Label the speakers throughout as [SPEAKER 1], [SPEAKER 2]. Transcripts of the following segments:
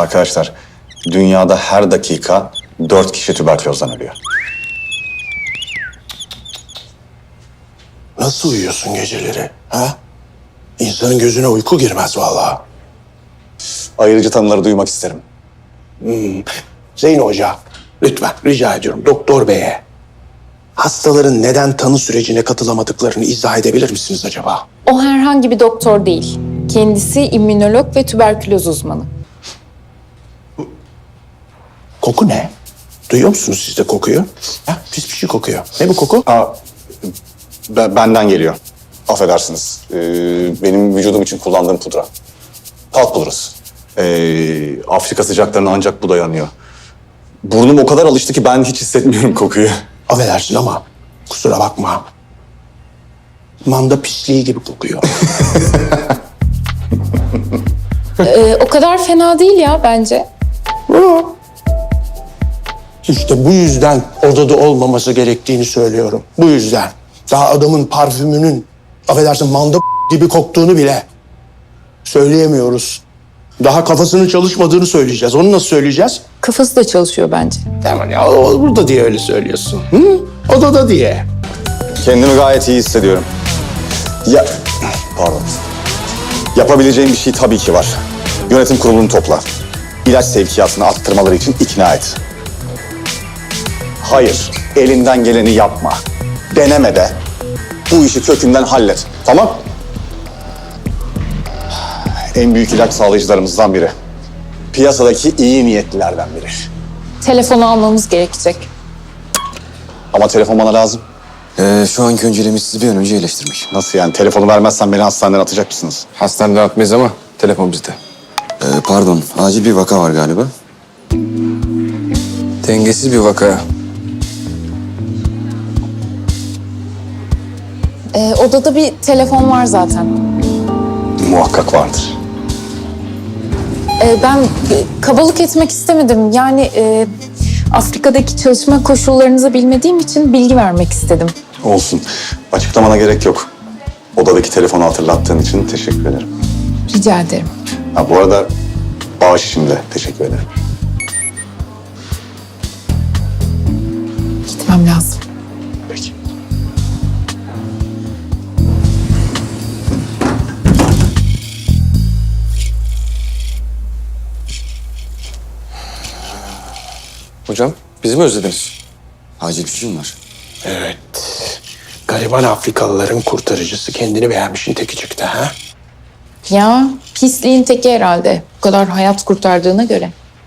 [SPEAKER 1] Arkadaşlar, dünyada her dakika 4 kişi tüberkülozdan ölüyor.
[SPEAKER 2] Nasıl uyuyorsun geceleri? Ha? İnsanın gözüne uyku girmez vallahi.
[SPEAKER 1] Ayırıcı tanıları duymak isterim.
[SPEAKER 2] Zeyno Hoca, lütfen rica ediyorum doktor beye. Hastaların neden tanı sürecine katılamadıklarını izah edebilir misiniz acaba?
[SPEAKER 3] O herhangi bir doktor değil. Kendisi immünolog ve tüberküloz uzmanı.
[SPEAKER 2] Koku ne? Duyuyor musunuz siz de kokuyu? Ha, pis bir şey kokuyor. Ne bu koku?
[SPEAKER 1] Benden geliyor. Affedersiniz. Benim vücudum için kullandığım pudra. Talk pudrası. Afrika sıcaklarına ancak bu dayanıyor. Burnum o kadar alıştı ki ben hiç hissetmiyorum kokuyu.
[SPEAKER 2] Affedersin ama kusura bakma. Manda pisliği gibi kokuyor.
[SPEAKER 3] O kadar fena değil ya bence.
[SPEAKER 2] İşte bu yüzden odada olmaması gerektiğini söylüyorum. Bu yüzden. Daha adamın parfümünün, affedersin manda gibi koktuğunu bile söyleyemiyoruz. Daha kafasının çalışmadığını söyleyeceğiz. Onu nasıl söyleyeceğiz?
[SPEAKER 3] Kafası da çalışıyor bence.
[SPEAKER 2] Tamam ya burada diye öyle söylüyorsun. Hı? Odada diye.
[SPEAKER 1] Kendimi gayet iyi hissediyorum. Pardon. Yapabileceğim bir şey tabii ki var. Yönetim kurulunu topla. İlaç sevkiyatını arttırmaları için ikna et. Hayır, elinden geleni yapma. Deneme de. Bu işi kökünden hallet. Tamam? En büyük ilaç sağlayıcılarımızdan biri. Piyasadaki iyi niyetlilerden biri.
[SPEAKER 3] Telefonu almamız gerekecek.
[SPEAKER 1] Ama telefon bana lazım.
[SPEAKER 4] Şu anki önceliğimiz sizi bir an önce iyileştirmek.
[SPEAKER 1] Nasıl yani? Telefonu vermezsen beni hastaneden atacak mısınız?
[SPEAKER 4] Hastaneden atmayız ama telefon bizde. Pardon, acil bir vaka var galiba. Dengesiz bir vaka.
[SPEAKER 3] Odada bir telefon var zaten.
[SPEAKER 1] Muhakkak vardır.
[SPEAKER 3] Ben kabalık etmek istemedim. Yani Afrika'daki çalışma koşullarınızı bilmediğim için bilgi vermek istedim.
[SPEAKER 1] Olsun. Açıklamana gerek yok. Odadaki telefonu hatırlattığın için teşekkür ederim.
[SPEAKER 3] Rica ederim.
[SPEAKER 1] Bu arada bağış için de teşekkür ederim.
[SPEAKER 3] Gitmem lazım.
[SPEAKER 1] Peki.
[SPEAKER 4] Hocam, bizi mi özlediniz? Acil bir şey mi var?
[SPEAKER 2] Evet. Gariban Afrikalıların kurtarıcısı kendini beğenmişin teki çıktı ha?
[SPEAKER 3] Ya pisliğin teki herhalde. Bu kadar hayat kurtardığına göre.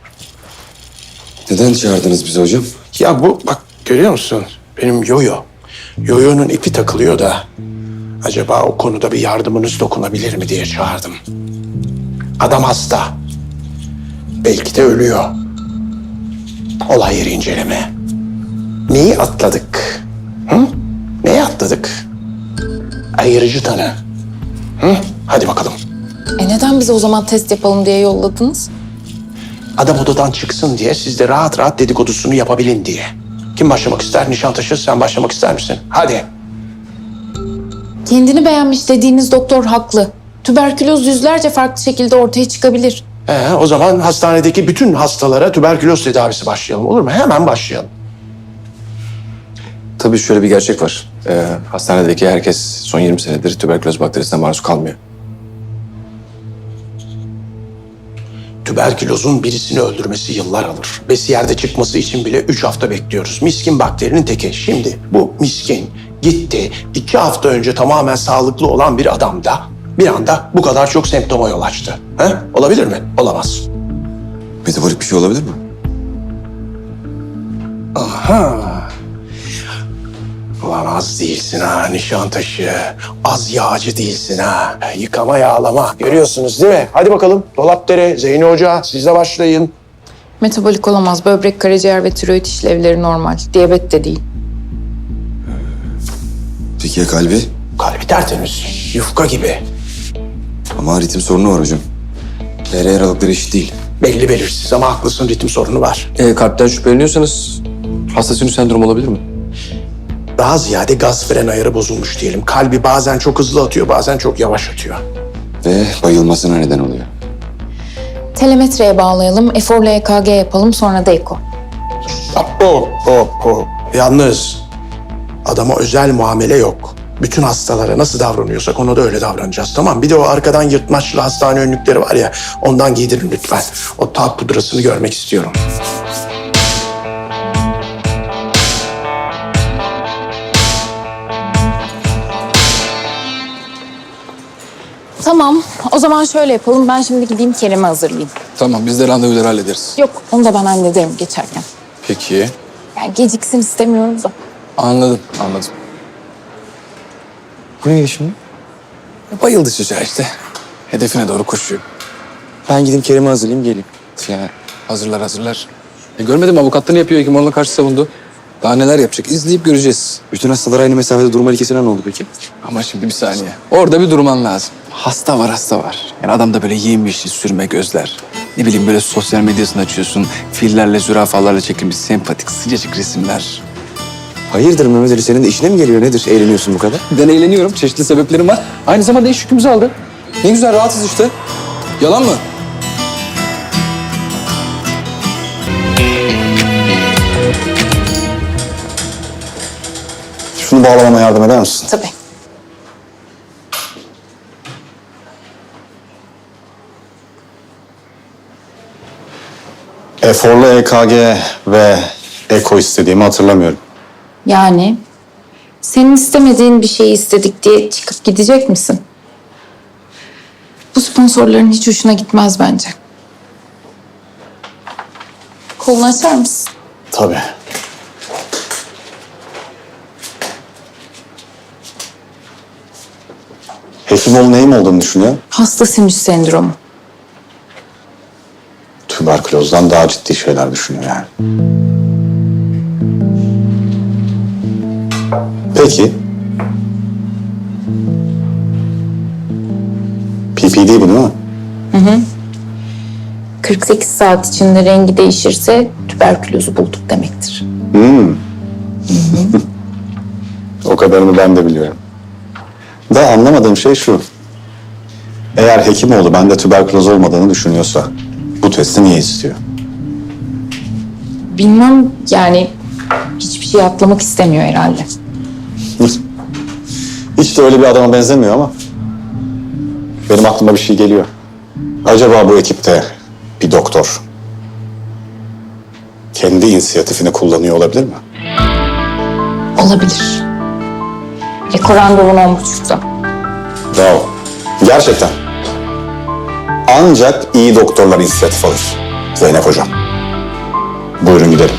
[SPEAKER 4] Neden çağırdınız bizi hocam?
[SPEAKER 2] Ya bu bak görüyor musun? Benim yoyo. Yoyo'nun ipi takılıyor da. Acaba o konuda bir yardımınız dokunabilir mi diye çağırdım. Adam hasta. Belki de ölüyor. Olay yeri inceleme. Neyi atladık? Hı? Neyi atladık? Ayırıcı tanı. Hı? Hadi bakalım.
[SPEAKER 3] Neden bize o zaman test yapalım diye yolladınız?
[SPEAKER 2] Adam odadan çıksın diye siz de rahat rahat dedikodusunu yapabilin diye. Kim başlamak ister? Nişantaşı sen başlamak ister misin? Hadi.
[SPEAKER 3] Kendini beğenmiş dediğiniz doktor haklı. Tüberküloz yüzlerce farklı şekilde ortaya çıkabilir.
[SPEAKER 2] O zaman hastanedeki bütün hastalara tüberküloz tedavisi başlayalım olur mu? Hemen başlayalım.
[SPEAKER 4] Tabii şöyle bir gerçek var. Hastanedeki herkes son 20 senedir tüberküloz bakterisine maruz kalmıyor.
[SPEAKER 2] Tüberkülozun birisini öldürmesi yıllar alır. Besiyerde çıkması için bile 3 hafta bekliyoruz. Miskin bakterinin teki. Şimdi bu miskin gitti. 2 hafta önce tamamen sağlıklı olan bir adamda bir anda bu kadar çok semptoma yol açtı. Olabilir mi? Olamaz.
[SPEAKER 4] Metabolik bir şey olabilir mi?
[SPEAKER 2] Ulan az değilsin ha Nişantaşı. Az yağcı değilsin ha. Yıkama yağlama. Görüyorsunuz değil mi? Hadi bakalım. Dolapdere, Zeyno Hoca siz de başlayın.
[SPEAKER 3] Metabolik olamaz. Böbrek, karaciğer ve tiroid işlevleri normal. Diyabet de değil.
[SPEAKER 4] Peki ya kalbi?
[SPEAKER 2] Kalbi tertemiz. Yufka gibi.
[SPEAKER 4] Ama ritim sorunu var hocam. DR aralıkları eşit değil.
[SPEAKER 2] Belli belirsiz ama haklısın ritim sorunu var.
[SPEAKER 4] Kalpten şüpheleniyorsanız hasta sinüs sendromu olabilir mi?
[SPEAKER 2] Daha ziyade gaz fren ayarı bozulmuş diyelim. Kalbi bazen çok hızlı atıyor, bazen çok yavaş atıyor.
[SPEAKER 4] Ve bayılmasına neden oluyor.
[SPEAKER 3] Telemetreye bağlayalım, eforla EKG yapalım, sonra da eko.
[SPEAKER 2] Hop. Yalnız adama özel muamele yok. Bütün hastalara nasıl davranıyorsak ona da öyle davranacağız, tamam? Bir de o arkadan yırtmaçlı hastane önlükleri var ya, ondan giydirin lütfen. O talk pudrasını görmek istiyorum.
[SPEAKER 3] Tamam, o zaman şöyle yapalım. Ben şimdi gideyim Kerem'i hazırlayayım.
[SPEAKER 4] Tamam, biz de randevuları hallederiz.
[SPEAKER 3] Yok, onu da ben hallederim geçerken.
[SPEAKER 4] Peki.
[SPEAKER 3] Yani geciksin istemiyorum da.
[SPEAKER 4] Anladım.
[SPEAKER 5] Bu ne şimdi?
[SPEAKER 4] Bayıldı çocuğa işte. Hedefine doğru koşuyor.
[SPEAKER 5] Ben gideyim Kerem'i hazırlayayım geleyim.
[SPEAKER 4] Ya hazırlar. Görmedin mi, avukatlığını yapıyor, Hekimoğlu'na karşı savundu. Daha neler yapacak, izleyip göreceğiz.
[SPEAKER 5] Bütün hastalar aynı mesafede durma ilkesine ne oldu peki?
[SPEAKER 4] Ama şimdi bir saniye. Orada bir durman lazım. Hasta var. Yani adamda böyle yemyeşil sürme gözler. Ne bileyim böyle sosyal medyasını açıyorsun. Fillerle, zürafalarla çekilmiş sempatik, sıcacık resimler.
[SPEAKER 5] Hayırdır Mehmet Ali, senin de işine mi geliyor nedir? Eğleniyorsun bu kadar.
[SPEAKER 4] Ben eğleniyorum. Çeşitli sebeplerim var. Aynı zamanda iş yükümüzü aldı. Ne güzel, rahatız işte. Yalan mı?
[SPEAKER 1] Şunu bağlamama yardım eder misin?
[SPEAKER 3] Tabii.
[SPEAKER 1] Eforlu EKG ve eko istediğimi hatırlamıyorum.
[SPEAKER 3] Yani senin istemediğin bir şeyi istedik diye çıkıp gidecek misin? Bu sponsorların hiç hoşuna gitmez bence. Kolunu açar mısın?
[SPEAKER 1] Tabii. Hekimoğlu neyim olduğunu düşünüyor?
[SPEAKER 3] Hasta sinüs sendromu.
[SPEAKER 1] Tüberkülozdan daha ciddi şeyler düşünüyor yani. Peki. PPD bu değil mi?
[SPEAKER 3] 48 saat içinde rengi değişirse tüberkülozu bulduk demektir.
[SPEAKER 1] O kadarını ben de biliyorum. Da anlamadığım şey şu. Eğer Hekimoğlu bende tüberküloz olmadığını düşünüyorsa bu testi niye istiyor?
[SPEAKER 3] Bilmem, yani hiçbir şey atlamak istemiyor herhalde.
[SPEAKER 1] Hiç de öyle bir adama benzemiyor ama benim aklıma bir şey geliyor. Acaba bu ekipte bir doktor kendi inisiyatifini kullanıyor olabilir mi?
[SPEAKER 3] Olabilir. Eko randevun 10.30'da.
[SPEAKER 1] Bravo. Gerçekten. Ancak iyi doktorlar inisiyatif alır. Zeynep Hocam. Buyurun gidelim.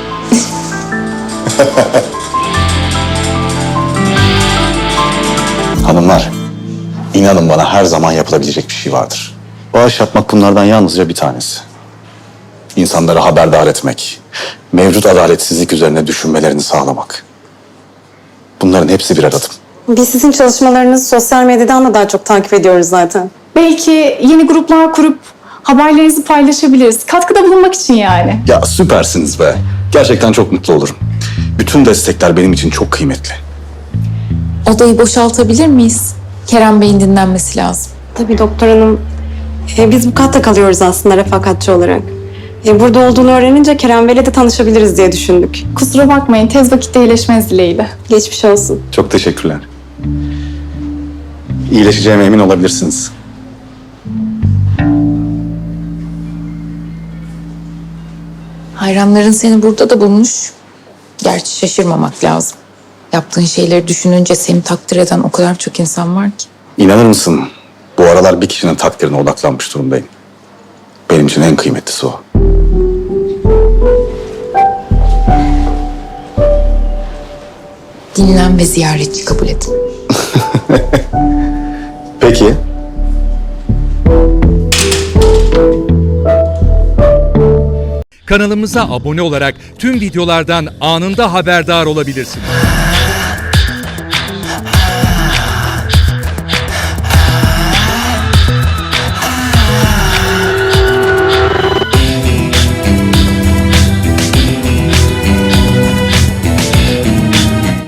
[SPEAKER 1] Hanımlar, inanın bana her zaman yapılabilecek bir şey vardır. Bağış yapmak bunlardan yalnızca bir tanesi. İnsanları haberdar etmek, mevcut adaletsizlik üzerine düşünmelerini sağlamak. Bunların hepsi birer adım.
[SPEAKER 6] Biz sizin çalışmalarınızı sosyal medyadan da daha çok takip ediyoruz zaten.
[SPEAKER 7] Belki yeni gruplar kurup haberlerinizi paylaşabiliriz. Katkıda bulunmak için yani.
[SPEAKER 1] Ya süpersiniz be. Gerçekten çok mutlu olurum. Bütün destekler benim için çok kıymetli.
[SPEAKER 3] Odayı boşaltabilir miyiz? Kerem Bey'in dinlenmesi lazım.
[SPEAKER 6] Tabii doktor hanım. Biz bu katta kalıyoruz aslında refakatçi olarak. Burada olduğunu öğrenince Kerem Bey'le de tanışabiliriz diye düşündük.
[SPEAKER 7] Kusura bakmayın, tez vakitte iyileşmeniz dileğiyle.
[SPEAKER 6] Geçmiş olsun.
[SPEAKER 1] Çok teşekkürler. İyileşeceğime emin olabilirsiniz.
[SPEAKER 3] Hayranların seni burada da bulmuş. Gerçi şaşırmamak lazım. Yaptığın şeyleri düşününce seni takdir eden o kadar çok insan var ki.
[SPEAKER 1] İnanır mısın? Bu aralar bir kişinin takdirine odaklanmış durumdayım. Benim için en kıymetlisi o.
[SPEAKER 3] Dinlen ve ziyaretçi kabul edin.
[SPEAKER 1] Peki.
[SPEAKER 8] Kanalımıza abone olarak tüm videolardan anında haberdar olabilirsiniz.